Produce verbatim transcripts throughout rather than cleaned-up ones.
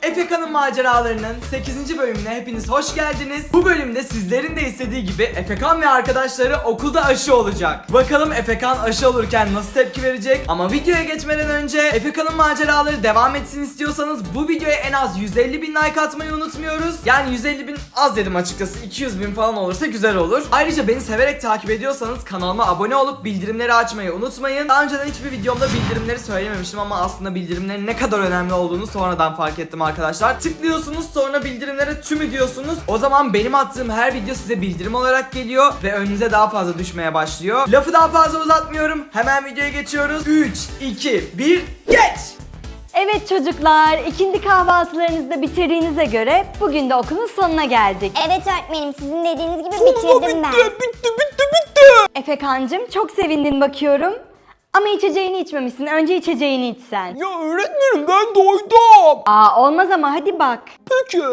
Efeka'nın maceralarının sekizinci bölümüne hepiniz hoş geldiniz. Bu bölümde sizlerin de istediği gibi Efekan ve arkadaşları okulda aşı olacak. Bakalım Efekan aşı olurken nasıl tepki verecek? Ama videoya geçmeden önce Efekan'ın maceraları devam etsin istiyorsanız bu videoya en az yüz elli bin like atmayı unutmuyoruz. Yani yüz elli bin az dedim açıkçası, iki yüz bin falan olursa güzel olur. Ayrıca beni severek takip ediyorsanız kanalıma abone olup bildirimleri açmayı unutmayın. Daha önceden hiçbir videomda bildirimleri söylememiştim ama aslında bildirimlerin ne kadar önemli olduğunu sonradan fark ettim arkadaşlar. Tıklıyorsunuz, sonra bildirimlere tümü diyorsunuz. O zaman benim attığım her video size bildirim olarak geliyor ve önünüze daha fazla düşmeye başlıyor. Lafı daha fazla uzatmıyorum. Hemen videoya geçiyoruz. üç, iki, bir, geç! Evet çocuklar, ikindi kahvaltılarınızı da bitirdiğinize göre bugün de okulun sonuna geldik. Evet öğretmenim, sizin dediğiniz gibi bitirdim ben. bitti, bitti, bitti. Efekancığım çok sevindin bakıyorum. Ama içeceğini içmemişsin. Önce içeceğini içsen. Ya öğretmenim ben doydum. Aa olmaz ama hadi bak. Peki.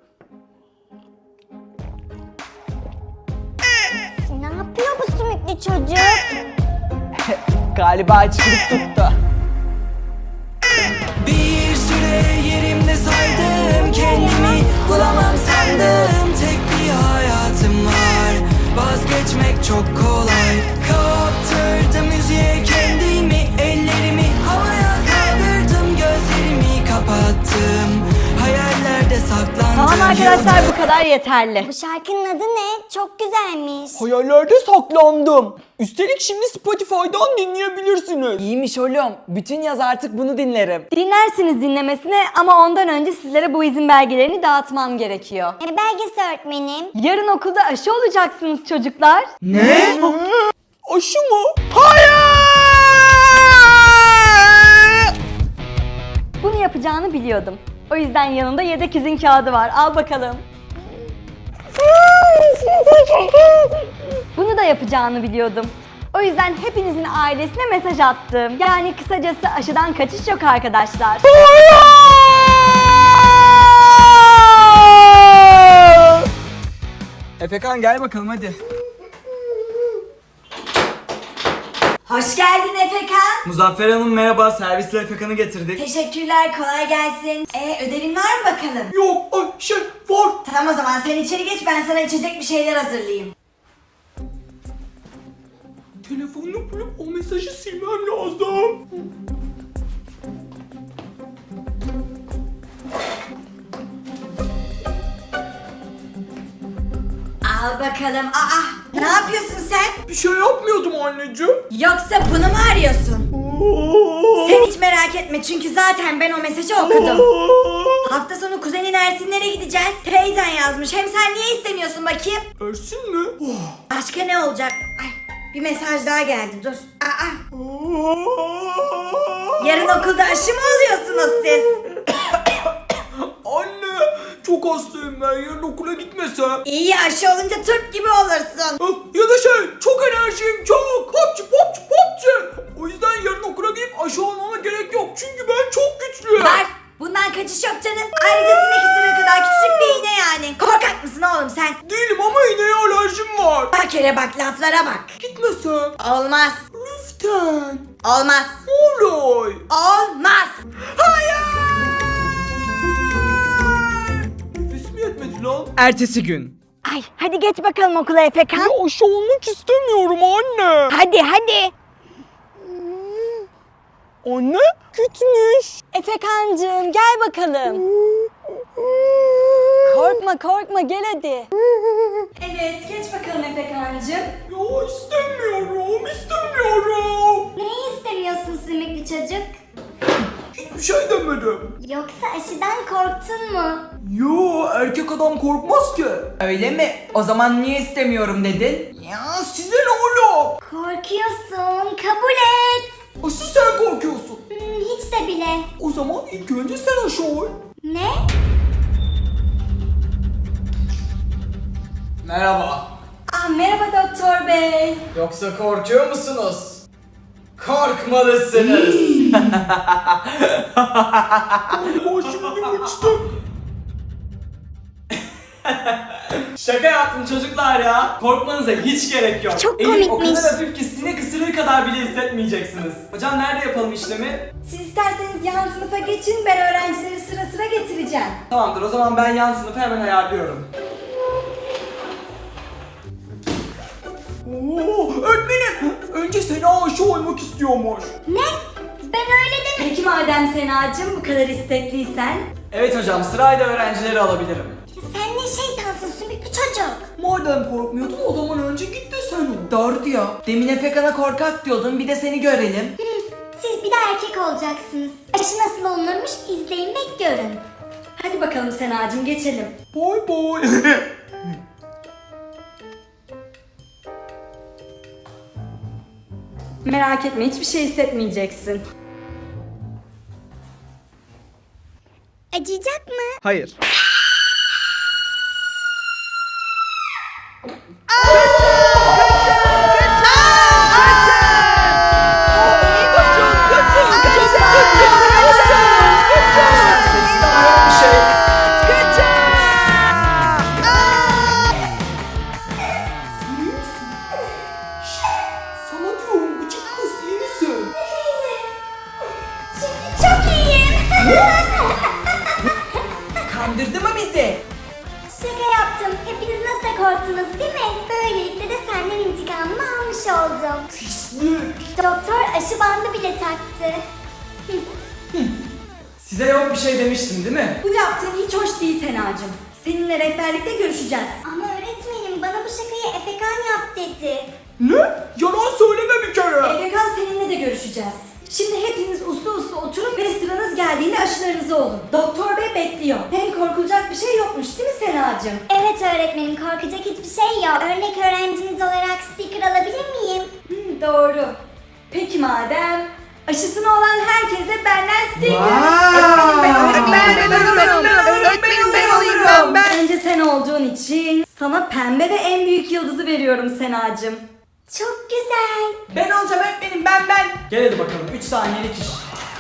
Ne yapıyor bu sümüklü çocuk? Galiba açlık tuttu. Bir süre yerimde saydım, kendimi bulamam sandım. Tek bir hayatım var, vazgeçmek çok kolay. Kaptırdım müziğe kendimi, ellerimi havaya kaldırdım, gözlerimi kapattım, hayallerde saklandım. Tamam arkadaşlar, bu kadar yeterli. Bu şarkının adı ne? Çok güzelmiş. Hayallerde saklandım. Üstelik şimdi Spotify'dan dinleyebilirsiniz. İyiymiş oğlum. Bütün yaz artık bunu dinlerim. Dinlersiniz dinlemesine ama ondan önce sizlere bu izin belgelerini dağıtmam gerekiyor. E, belgesi öğretmenim. Yarın okulda aşı olacaksınız çocuklar. Ne? Aşı mı? Bunu yapacağını biliyordum. O yüzden yanında yedek izin kağıdı var. Al bakalım. Bunu da yapacağını biliyordum. O yüzden hepinizin ailesine mesaj attım. Yani kısacası aşıdan kaçış yok arkadaşlar. Efekan gel bakalım hadi. Hoş geldin Efekan. Muzaffer Hanım merhaba, servisle Efekan'ı getirdik. Teşekkürler, kolay gelsin. E ödevin var mı bakalım? Yok, ay şey var. Tamam o zaman sen içeri geç, ben sana içecek bir şeyler hazırlayayım. Telefonunu bulup o mesajı silmem lazım. Al bakalım. Aa, ne yapıyorsun sen? Bir şey yapmıyordum anneciğim. Yoksa bunu mu arıyorsun? Sen hiç merak etme çünkü zaten ben o mesajı okudum. Hafta sonu kuzenin Ersinlere gideceğiz. Teyzen yazmış. Hem sen niye istemiyorsun bakayım? Ersin mi? Başka ne olacak? Ay, bir mesaj daha geldi, dur. Aa, yarın okulda aşı mı oluyorsunuz siz? Anne, çok hastayım ben. Yarın okula gitmesem. İyi, aşı olunca Türk gibi olursun. Ah, ya da şey, çok enerjiyim çok. Popçu popçu popçu. O yüzden yarın okula gidip aşı olmama gerek yok. Çünkü ben çok güçlüyüm. Var. Bundan kaçış yok canım. Ayrıca sinek kadar küçük bir iğne yani. Korkak mısın oğlum sen? Değilim ama iğneye alerjim var. Bak hele bak, laflara bak. Gitmesem. Olmaz. Lütfen. Olmaz. Olay. Olmaz. Nefesim yetmedi lan. Ertesi gün. Ay hadi geç bakalım okula Efekan. Ya aşı olmak istemiyorum anne. Hadi hadi. Anne gitmiş. Efekancığım gel bakalım. Korkma korkma gel hadi. Evet, geç bakalım Efekancığım. Ya istemiyorum istemiyorum. Neyi istemiyorsun sümüklü çocuk? Hiçbir şey demedim. Yoksa aşıdan korktun mu? Yo, erkek adam korkmaz ki. Öyle mi? O zaman niye istemiyorum dedin? Ya size ne oğlum? Korkuyorsun, kabul et. Asıl sen korkuyorsun. Hmm, hiç de bile. O zaman ilk önce sen aşı ol. Ne? Merhaba. Ah, merhaba doktor bey. Yoksa korkuyor musunuz? Korkmalısınız. Galiba şimdi uçtum. Şaka yaptım çocuklar ya. Korkmanıza hiç gerek yok. Çok Elim o komikmiş. kadar hafif ki sinek ısırığı kadar bile hissetmeyeceksiniz. Hocam nerede yapalım işlemi? Siz isterseniz yan sınıfa geçin, ben öğrencileri sıra sıra getireceğim. Tamamdır, o zaman ben yan sınıfı hemen ayarlıyorum. Oo, öğretmenim önce Sena aşı olmak istiyormuş. Ne? Ben öyle demedim. Peki madem Senacığım bu kadar istekliysen. Evet hocam, sırayla öğrencileri alabilirim. Sen ne şeytansın sümüklü çocuk. Madem korkmuyordun o zaman önce git de sen ol. Doğru diyor. Demin Efekan'a korkak diyordun, bir de seni görelim. Hı, siz bir de erkek olacaksınız. Aşı nasıl olunurmuş izleyin ve görün. Hadi bakalım Senacığım geçelim. Bay bay. Merak etme hiçbir şey hissetmeyeceksin. Acıyacak mı? Hayır. Sana diyorum gıcık kız, iyi misin? Şimdi çok iyiyim. Kandırdı mı bizi? Şaka yaptım. Hepiniz nasıl korktunuz değil mi? Böylelikle de senden intikamımı almış oldum. Pislik. Doktor aşı bandı bile taktı. Size yok bir şey demiştim değil mi? Bu yaptığın hiç hoş değil Senacığım. Seninle rehberlikte görüşeceğiz. Ama öğretmenim bana bu şakayı Efekan yap dedi. Ne? Yalan söyleme bir kere. Efekan seninle de görüşeceğiz. Şimdi hepiniz uslu uslu oturun ve sıranız geldiğinde aşılarınızı olun. Doktor bey bekliyor. Hem korkulacak bir şey yokmuş değil mi Senacığım? Evet öğretmenim korkacak hiçbir şey yok. Örnek öğrenciniz olarak sticker alabilir miyim? Hı, doğru. Peki madem aşısını olan herkese benden sticker. Öğretmenim ben olurum. Önce sen olduğun için sana pembe ve en büyük yıldızı veriyorum Senacığım. Çok güzel. Ben olacağım öğretmenim, ben ben. Gel hadi bakalım, üç saniyelik iş.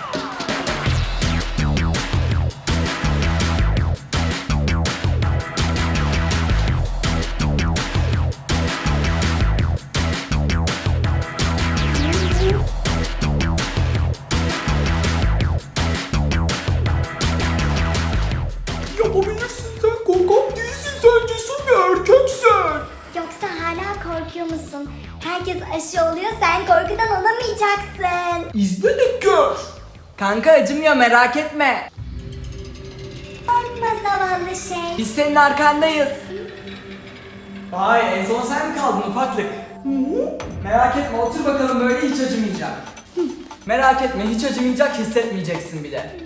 Yapabilirsin, sen korkak değilsin, sen cesur bir erkeksin. Yoksa hala korkuyor musun? Herkes aşı oluyor sen korkudan olamayacaksın. İzle de gör. Kanka acımıyor, merak etme. Korkma zavallı şey. Biz senin arkandayız. Vay, en son sen mi kaldın ufaklık? Merak etme, otur bakalım, böyle hiç acımayacak. Merak etme, hiç acımayacak, hissetmeyeceksin bile.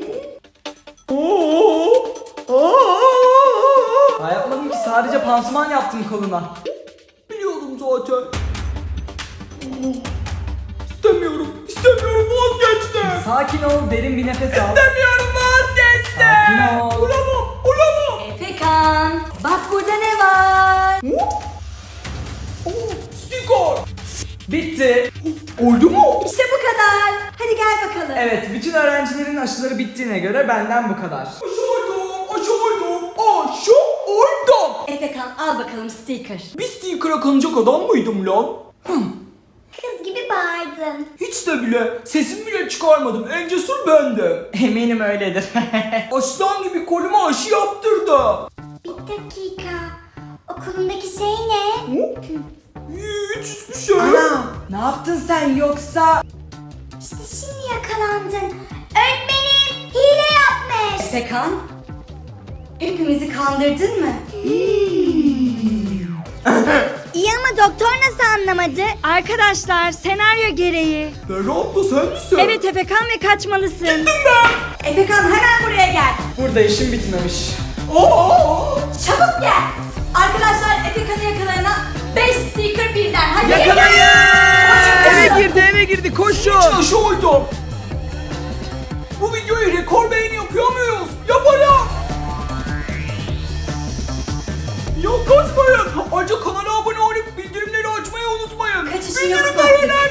Oo, aa, Daha yapmadım ki, sadece pansuman yaptım koluna. biliyordum zaten. İstemiyorum, istemiyorum, vazgeçtim. Sakin ol, derin bir nefes al. İstemiyorum, vazgeçtim. Sakin ol. Olamam, olamam. Efekan, bak burada ne var? Oo, sticker. Bitti. Oldu mu? İşte bu kadar. Hadi gel bakalım. Evet, bütün öğrencilerin aşıları bittiğine göre benden bu kadar. Aşı oldum, aşı oldum, aşı oldum. Efekan al bakalım sticker. Bir sticker'a kanacak adam mıydım lan? Kız gibi bağırdın. Hiç de bile, sesim bile çıkarmadım, en cesur bendim. Eminim öyledir. Aslan gibi koluma aşı yaptırdı. Bir dakika. Okulundaki şey ne? Hı? Hiç, hiçbir şey. Ana, ne yaptın sen yoksa? İşte şimdi yakalandın. Öğretmenim hile yapmış. Efekan, hepimizi kandırdın mı? İyi ama doktor nasıl anlamadı? Arkadaşlar senaryo gereği. Berra abla sen misin? Evet Efekan ve kaçmalısın. Efekan hemen buraya gel. Burada işim bitmemiş. Aa! Çabuk gel. Arkadaşlar Efekan'ı yakalayana beş sticker birden. Hadi Yakalayın! Eve girdi, eve girdi, koşun! Aşı oldum. Bu videoyu rekor beğeni yapıyor muyuz? Yapalım. Ya kaçmayın. Ayrıca kanala abone olup bildirimleri açmayı unutmayın. Kaçışın yok Bildirimleri zaten.